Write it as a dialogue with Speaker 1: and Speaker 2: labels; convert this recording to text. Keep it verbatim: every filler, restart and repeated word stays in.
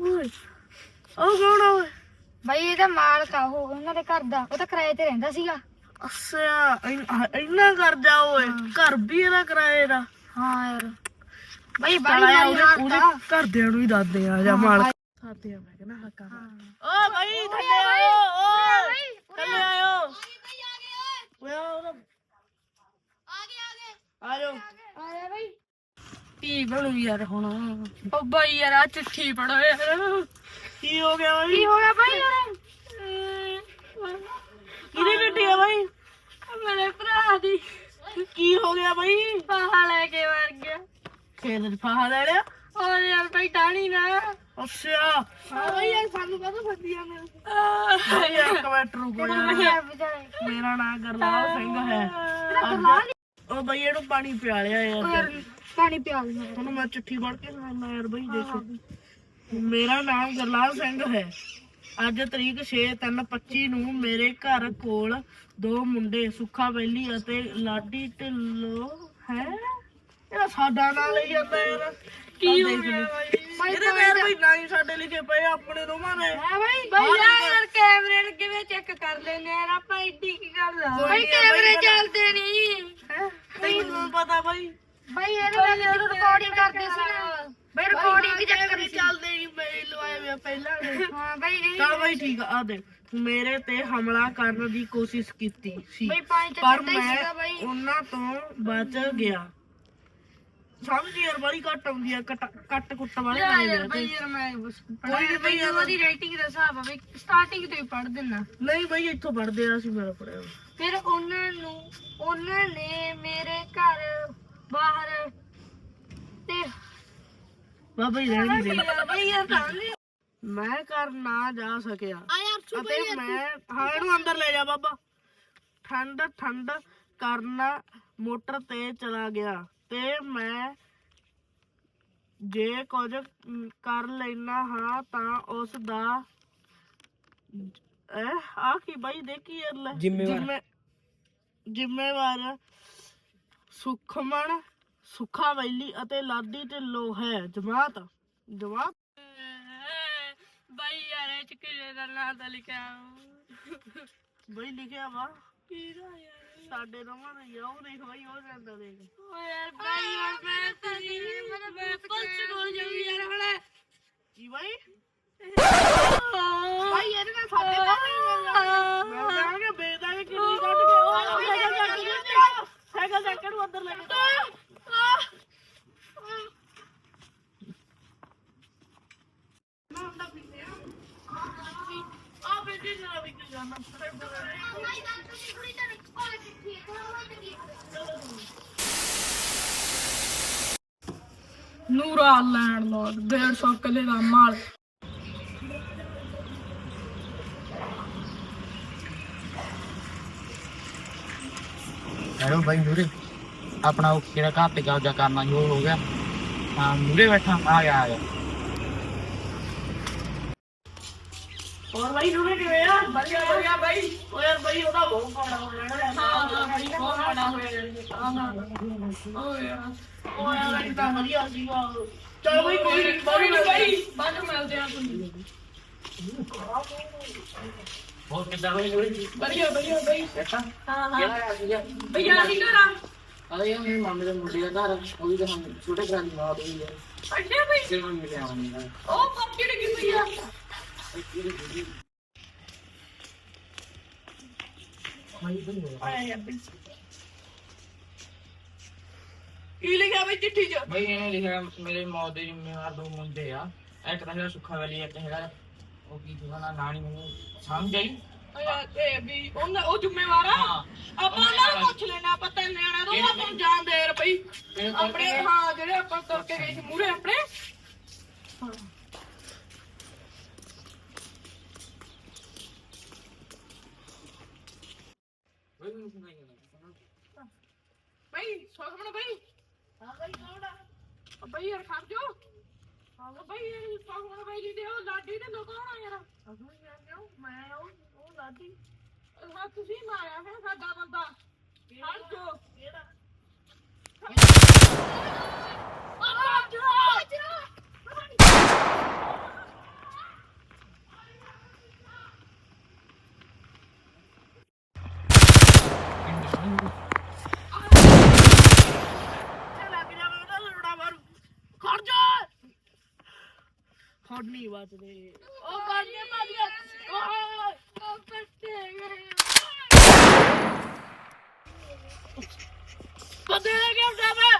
Speaker 1: ਓਏ ਉਹ ਕੌਣ ਆ ਓਏ?
Speaker 2: ਬਾਈ ਇਹਦਾ ਮਾਲਕ ਆ, ਉਹ ਉਹਨਾਂ ਦੇ ਘਰ ਦਾ। ਉਹ ਤਾਂ ਕਿਰਾਏ ਤੇ ਰਹਿੰਦਾ ਸੀਗਾ।
Speaker 1: ਅੱਛਾ ਇੰਨਾ ਕਰ ਜਾ ਓਏ, ਘਰ ਵੀ ਇਹਦਾ ਕਿਰਾਏ ਦਾ।
Speaker 2: ਹਾਂ ਯਾਰ ਬਾਈ
Speaker 1: ਚੱਲ
Speaker 2: ਬਾਈ
Speaker 1: ਆਇਆ
Speaker 2: ਉਹਦੇ
Speaker 1: ਉਹਦੇ ਘਰਦਿਆਂ ਨੂੰ ਹੀ ਦੱਸਦੇ ਆ ਜਾ ਮਾਲਕ ਸਾਥੇ ਆ। ਮੈਂ ਕਹਿੰਦਾ ਹੱਕਾ ਓ ਭਾਈ ਥੱਲੇ ਆਇਓ, ਓਏ ਥੱਲੇ ਆਇਓ। ਓਏ ਆ ਗਏ ਆ ਗਏ ਆ ਜਾਓ।
Speaker 2: ਆਇਆ ਬਾਈ
Speaker 1: ਕੀ ਬਣੂ ਯਾਰ ਹੁਣ?
Speaker 2: ਉਹ ਬਾਈ ਯਾਰ ਆ ਚਿੱਠੀ ਪੜੋ ਯਾਰ।
Speaker 1: ਕੀ ਹੋ ਗਿਆ ਬਾਈ?
Speaker 2: ਕੀ ਹੋ ਗਿਆ ਬਾਈ ਯਾਰ?
Speaker 1: ਕਿਹਦੀ ਚਿੱਠੀ ਆ ਬਾਈ?
Speaker 2: ਮੇਰੇ ਭਰਾ ਦੀ।
Speaker 1: ਕੀ ਹੋ ਗਿਆ ਬਾਈ?
Speaker 2: ਫਾਹਾ ਲੈ ਕੇ ਮਰ ਗਿਆ।
Speaker 1: ਖੇਤ ਚ ਫਾਹਾ ਲੈ ਲਿਆ?
Speaker 2: ਹੋਰ ਯਾਰ ਬਾਈ ਟਾਣੀ ਨਾ।
Speaker 1: ਅੱਛਾ
Speaker 2: ਹਾਂ ਬਾਈ ਯਾਰ ਸਾਨੂੰ ਕਾਹਤੋਂ ਫੱਦੀਆਂ ਨੇ?
Speaker 1: ਯਾਰ ਕਮੈਂਟ ਰੁਕੋ ਯਾਰ। ਮੇਰਾ ਨਾਮ ਗਰਲਾਲ ਸਿੰਘ ਹੈ। ਉਹ ਬਈ ਇਹਨੂੰ ਪਾਣੀ ਪਿਆ ਲਿਆ ਯਾਰ।
Speaker 2: ਪਾਣੀ ਪਿਆ ਲਿਆ
Speaker 1: ਤੁਹਾਨੂੰ ਮੈਂ ਚਿੱਠੀ ਪੜ੍ਹ ਕੇ ਸੁਣਾਉਣਾ ਯਾਰ। ਬਈ ਦੇਖੋ, ਮੇਰਾ ਨਾਮ ਗਰਲਾਲ ਸਿੰਘ ਹੈ। ਅੱਜ ਤਰੀਕ ਛੇ ਤਿੰਨ ਪੱਚੀ ਨੂੰ ਮੇਰੇ ਘਰ ਕੋਲ ਦੋ ਮੁੰਡੇ ਸੁੱਖਾ ਵੈਲੀ ਅਤੇ ਲਾਡੀ ਢਿੱਲੋਂ ਹੈ। ਇਹਦਾ ਸਾਡਾ ਨਾਂ ਲਈ ਜਾਂਦਾ ਯਾਰ। ਕੀ ਹੋ ਗਿਆ ਬਾਈ? ਇਹਦੇ ਪੈਰ ਬਈ ਨਾਂ ਹੀ ਸਾਡੇ ਲਿਖੇ ਪਏ ਆਪਣੇ ਦੋਵਾਂ ਨੇ।
Speaker 2: ਹਾਂ ਬਾਈ ਬਾਈ ਯਾਰ ਕੈਮਰੇ ਲੱਗੇ ਵੇ ਚੈੱਕ ਕਰ ਲੈਨੇ ਯਾਰ ਆਪਾਂ। ਏਡੀ ਕੀ ਗੱਲ ਆ ਬਾਈ? ਕੈਮਰੇ ਚੱਲਦੇ ਨਹੀਂ
Speaker 1: ਹੈ ਤੈਨੂੰ ਪਤਾ ਬਾਈ?
Speaker 2: ਬਾਈ ਇਹਦੇ ਨਾਲ ਰਿਕਾਰਡਿੰਗ ਕਰਦੇ ਸੀ ਨਾ ਬਾਈ। ਰਿਕਾਰਡਿੰਗ ਚੱਕਰ
Speaker 1: ਚੱਲਦੇ ਨਹੀਂ ਮੇਰੇ ਲਵਾਏ ਵੇ ਪਹਿਲਾਂ ਦੇ।
Speaker 2: ਹਾਂ ਬਾਈ
Speaker 1: ਚੱਲ ਬਾਈ ਠੀਕ ਆ। ਆ ਦੇਖ ਮੇਰੇ ਤੇ ਹਮਲਾ ਕਰਨ ਦੀ ਕੋਸ਼ਿਸ਼ ਕੀਤੀ ਸੀ
Speaker 2: ਬਾਈ ਪਾਣੀ
Speaker 1: ਪਰ
Speaker 2: ਚੱਕਦਾ ਹੀ
Speaker 1: ਮੈਂ
Speaker 2: ਸੀਗਾ ਬਾਈ।
Speaker 1: ਉਹਨਾਂ ਤੋਂ ਬਚ ਗਿਆ। ਸਮਝ ਯਾਰ ਬੜੀ ਘੱਟ ਆਉਂਦੀ ਆ। ਕੱਟ ਕੱਟ ਕੁੱਟ ਵਾਲੇ
Speaker 2: ਯਾਰ
Speaker 1: ਨਹੀਂ
Speaker 2: ਬਾਈ ਯਾਰ ਮੈਂ
Speaker 1: ਕੋਈ ਨੀ ਬਾਈ ਯਾਰ।
Speaker 2: ਉਹਦੀ ਰੇਟਿੰਗ ਦਾ ਹਿਸਾਬ ਆ ਬਾਈ। ਸਟਾਰਟਿੰਗ ਤੋਂ ਹੀ ਪੜ੍ਹ ਦਿੰਨਾ।
Speaker 1: ਨਹੀਂ ਬਾਈ ਇੱਥੋਂ ਪੜਦੇ ਆ। ਅਸੀਂ ਮੇਰਾ ਪੜਿਆ
Speaker 2: ਫਿਰ ਉਹਨਾਂ ਨੂੰ ਉਹਨਾਂ ਨੇ ਮੇਰੇ ਘਰ ਬਾਹਰ ਤੇ
Speaker 1: ਬਾਬਾ ਹੀ ਰਹਿਣ ਦੇ।
Speaker 2: ਬਾਈ ਯਾਰ ਤਾਂ
Speaker 1: ਮੈਂ ਘਰ ਨਾ ਜਾ ਸਕਿਆ
Speaker 2: ਆ ਯਾਰ
Speaker 1: ਅਤੇ ਮੈਂ ਹਾਂ ਇਹਨੂੰ ਅੰਦਰ ਲੈ ਜਾ ਬਾਬਾ। ਠੰਡ ਠੰਡ ਕਰਨਾ ਮੋਟਰ ਤੇ ਚਲਾ ਗਿਆ ਤੇ ਮੈਂ ਜੇ ਕੁਝ ਕਰ ਲੈਣਾ ਹਾਂ ਤਾਂ ਉਸ ਦਾ ਇਹ ਆ ਕੀ ਬਾਈ ਦੇਖੀ ਯਾਰ ਜ਼ਿੰਮੇਵਾਰ ਜ਼ਿੰਮੇਵਾਰ ਸੁਖਮਨ ਸੁੱਖਾ ਵੈਲੀ ਅਤੇ ਲਾਡੀ ਢਿੱਲੋਂ ਹੈ। ਜਮਾਤ ਜਮਾਤ
Speaker 2: ਬਾਈ ਯਾਰ ਇਹ ਚ ਕਿਹੜੇ ਦਾ ਨਾਂ ਤਾਂ ਲਿਖਿਆ
Speaker 1: ਬਈ ਲਿਖਿਆ ਵਾ
Speaker 2: ਕਿਹੜਾ ਯਾਰ?
Speaker 1: ਸਾਡੇ ਦੋਵਾਂ ਦਾ ਹੀ ਆ। ਉਹ ਦੇਖ ਬਾਈ ਉਹ ਜਾਂਦਾ ਦੇਖ।
Speaker 2: ਓ ਯਾਰ ਬਾਈ ਯਾਰ ਮੈਂ ਤਾਂ ਨਹੀਂ ਮੈਂ ਮੈਂ ਪੁਲਿਸ ਕੋਲ ਜਾਊਂ ਯਾਰ ਹੁਣ।
Speaker 1: ਕੀ ਬਾਈ?
Speaker 2: ਬਾਈ ਇਹਦੇ ਨਾਲ ਸਾਡੇ ਤਾਂ
Speaker 1: ਮੈਂ ਕਹਾਂਗਾ ਬੇਦਾ ਕਿ ਕਿੰਨੀ ਕੱਢ ਕੇ ਉਹ ਸਾਈਕਲ ਚੱਕ ਕੇ ਸਾਈਕਲ ਚੱਕ ਕੇ ਨੂੰ ਅੰਦਰ ਲੈ ਕੇ ਆ ਬੇਟੀ ਜਰਾ ਵੀ ਕਿ ਜਾਣਾ
Speaker 2: ਨੂਰਾ ਲੈਣ ਲੋਡ ਡੇਢ ਸੌ ਕਿੱਲੇ ਦਾ ਮਾਲ।
Speaker 3: ਹੈਲੋ ਬਾਈ ਨੂਰੇ, ਆਪਣਾ ਉਹ ਕਿਹੜਾ ਘਰ ਤੇ ਕਬਜ਼ਾ ਕਰਨਾ ਜੋ ਹੋ ਗਿਆ। ਹਾਂ ਨੂਰੇ ਬੈਠਾ ਆ ਗਿਆ ਆ ਗਿਆ।
Speaker 1: ਹੋਰ ਬਾਈ ਨੂੰ ਕਿਵੇਂ ਆ? ਵਧੀਆ ਵਧੀਆ ਬਾਈ। ਓ ਯਾਰ ਬਾਈ ਉਹਦਾ ਬਹੁਤ ਪਾਣਾ ਹੋ ਜਾਣਾ।
Speaker 2: ਹਾਂ ਹਾਂ ਬਾਈ ਬਹੁਤ ਬੜਾ ਹੋਇਆ ਹਾਂ ਹਾਂ ਓ ਯਾਰ
Speaker 1: ਓ ਯਾਰ ਇਹ ਤਾਂ ਵਧੀਆ ਸੀਗਾ। ਚਲ ਬਾਈ ਕੋਈ ਨਹੀਂ ਬਾਈ ਬਾਈ
Speaker 2: ਬਾਅਦ ਵਿੱਚ ਮਿਲਦੇ ਆ ਤੁਹਾਨੂੰ।
Speaker 3: ਹੋਰ ਕਿੱਦਾਂ ਬਾਈ ਨੂਰੇ?
Speaker 2: ਵਧੀਆ ਵਧੀਆ ਬਾਈ।
Speaker 3: ਬੈਠਾ
Speaker 2: ਹਾਂ ਹਾਂ
Speaker 3: ਕਿਹੜਾ ਆ ਗਿਆ?
Speaker 2: ਬਈ ਆ ਕੀ ਕਰਾਂ?
Speaker 3: ਅਰੇ ਯਾਰ ਮੇਰੇ ਮਾਮੇ ਦੇ ਮੁੰਡੇ ਦਾ ਘਰ ਉਹ ਵੀ ਤਾਂ ਹੁਣ ਛੋਟੇ ਭਰਾ ਦੀ ਮਾਂ ਹੋਈ ਹੈ।
Speaker 2: ਅੱਛਾ ਬਈ
Speaker 3: ਕਿਹੜਾ ਮਿਲਿਆ ਹੋਣੀ ਹੈ।
Speaker 2: ਉਹ ਪੱਕੀ ਡਿੱਗੀ ਪਈ ਆ।
Speaker 1: ਆਇਆ ਬਈ ਕੀ ਲਿਖਿਆ ਬਈ ਚਿੱਠੀ 'ਚ?
Speaker 3: ਬਈ ਇਹਨੇ ਲਿਖਿਆ ਮੇਰੇ ਮੌਤ ਦੇ ਜ਼ਿੰਮੇਵਾਰ ਦੋ ਮੁੰਡੇ ਆ। ਇੱਕ ਤਾਂ ਹੈਗਾ ਸੁੱਖਾ ਵਾਲੀ, ਇੱਕ ਹੈਗਾ ਉਹ ਕੀ ਉਹਦਾ ਨਾਂ ਨੀ ਮੈਨੂੰ ਸਮਝ ਆਈ।
Speaker 2: ਇਹ ਵੀ ਉਹਨਾਂ ਉਹ ਜ਼ਿੰਮੇਵਾਰ ਆ।
Speaker 3: ਹਾਂ
Speaker 2: ਆਪਾਂ ਉਹਨਾਂ ਨੂੰ ਪੁੱਛ ਲੈਣਾ। ਆਪਾਂ ਤਿੰਨ ਨਿਆਣਾ ਤੋਂ ਆਪਾਂ ਨੂੰ ਜਾਣ ਦੇ ਰੁਪਈ ਆਪਣੇ। ਹਾਂ ਜਿਹੜੇ ਆਪਾਂ ਤੁਰ ਕੇ ਗਏ ਸੀ ਮੂਹਰੇ ਆਪਣੇ। ਬਈ ਸੋਖਮਣ ਬਈ।
Speaker 1: ਹਾਂ ਬਾਈ ਕੌਣ ਆ?
Speaker 2: ਬਈ ਯਾਰ ਖੜ ਜਾ। ਹਾਂ ਬਈ ਸੋਖਮਣ ਬਈ ਜੀ ਦੇ ਉਹ ਲਾਡੀ ਦੇ ਲੋਕ ਕੌਣ ਆ ਯਾਰ?
Speaker 1: ਅਸੂ ਯਾਰ ਮੈਂ ਉਹ ਉਹ ਲਾਡੀ।
Speaker 2: ਹਾਂ ਤੁਸੀਂ ਮਾਰਿਆ ਹੈ ਸਾਡਾ ਬੰਦਾ। ਖੜ ਜਾ
Speaker 1: ਕਿਹੜਾ? ਲੱਗ ਜਾਵੇ ਉਹਦਾ ਲੋੜਾ ਮਾਰੂ ਖੜ ਜਾ ਹੁਣ ਨਹੀਂ ਬਚਦੇ ਉਹ ਕਾਹਦੇ ਮਾਰੀਆ ਓਏ ਉਹ ਕੱਟੇ ਗਏ ਬੰਦੇ ਨੇ ਕਿਉਂ ਜਾਵੇ